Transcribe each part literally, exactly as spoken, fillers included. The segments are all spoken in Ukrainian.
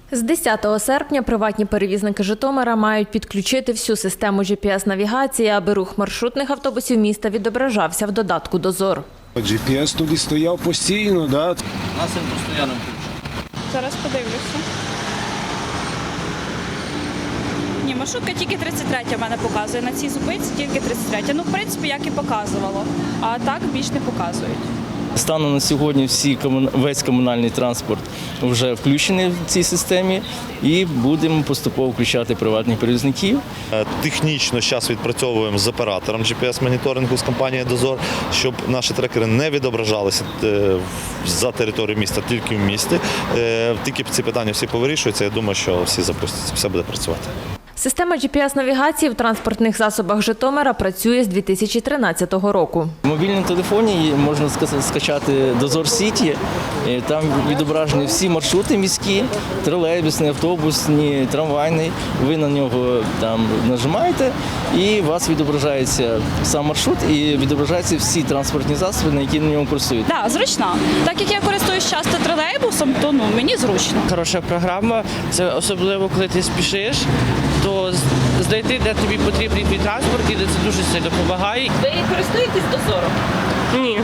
З десятого серпня приватні перевізники Житомира мають підключити всю систему джі пі ес-навігації, аби рух маршрутних автобусів міста відображався в додатку «Дозор». джі пі ес тоді стояв постійно, да? У нас він постійно включений. Зараз подивлюся. Ні, маршрутка тільки тридцять третя в мене показує. На цій зупинці тільки тридцять третя. Ну, в принципі, як і показувало. А так більш не показують. Станом на сьогодні всі, весь комунальний транспорт вже включений в цій системі і будемо поступово включати приватних перевізників. Технічно зараз відпрацьовуємо з оператором джі пі ес-моніторингу з компанії «Дозор», щоб наші трекери не відображалися за територією міста, тільки в місті. Тільки ці питання всі повирішуються, я думаю, що всі запустяться, все буде працювати. Система джі пі ес-навігації в транспортних засобах Житомира працює з дві тисячі тринадцятого року. В мобільному телефоні можна скачати «Дозор Сіті». Там відображені всі маршрути міські, тролейбусні, автобусні, трамвайні. Ви на нього там нажимаєте і у вас відображається сам маршрут і відображаються всі транспортні засоби, на які на ньому курсують. Так, да, зручно. Так як я користуюсь часто тролейбусом, то ну, мені зручно. Хороша програма, це особливо, коли ти спішиш, то знайти, де тобі потрібний твій транспорт, і це дуже сильно допомагає. Ви користуєтесь «Дозором»? Ні.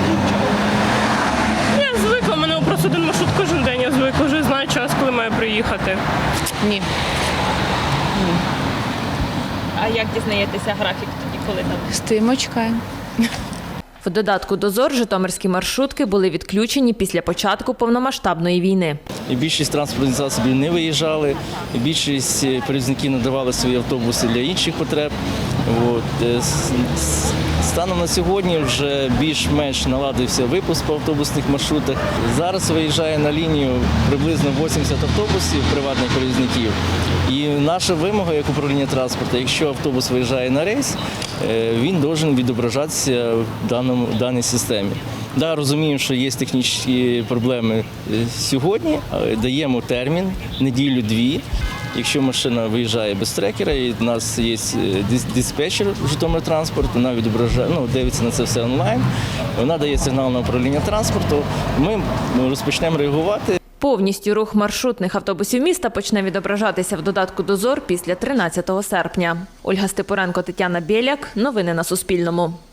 Я звикла, у мене просто один маршрут кожен день, я звикла, вже знаю час, коли маю приїхати. Ні. Ні. А як дізнаєтеся графік тоді, коли там? Стоїмо, чекаємо. В додатку «Дозор» житомирські маршрутки були відключені після початку повномасштабної війни. І більшість транспортних засобів не виїжджали, і більшість перевізників надавали свої автобуси для інших потреб. От. Станом на сьогодні вже більш-менш наладився випуск по автобусних маршрутах. Зараз виїжджає на лінію приблизно вісімдесят автобусів приватних перевізників. І наша вимога як управління транспорту, якщо автобус виїжджає на рейс, він має відображатися в даному, в даній системі. Да, розуміємо, що є технічні проблеми сьогодні, даємо термін, неділю-дві. Якщо машина виїжджає без трекера, і в нас є диспетчер Житомиртранспорт, вона відображає, ну, дивиться на це все онлайн, вона дає сигнал на управління транспорту, ми розпочнемо реагувати. Повністю рух маршрутних автобусів міста почне відображатися в додатку «Дозор» після тринадцятого серпня. Ольга Степуренко, Тетяна Біляк. Новини на Суспільному.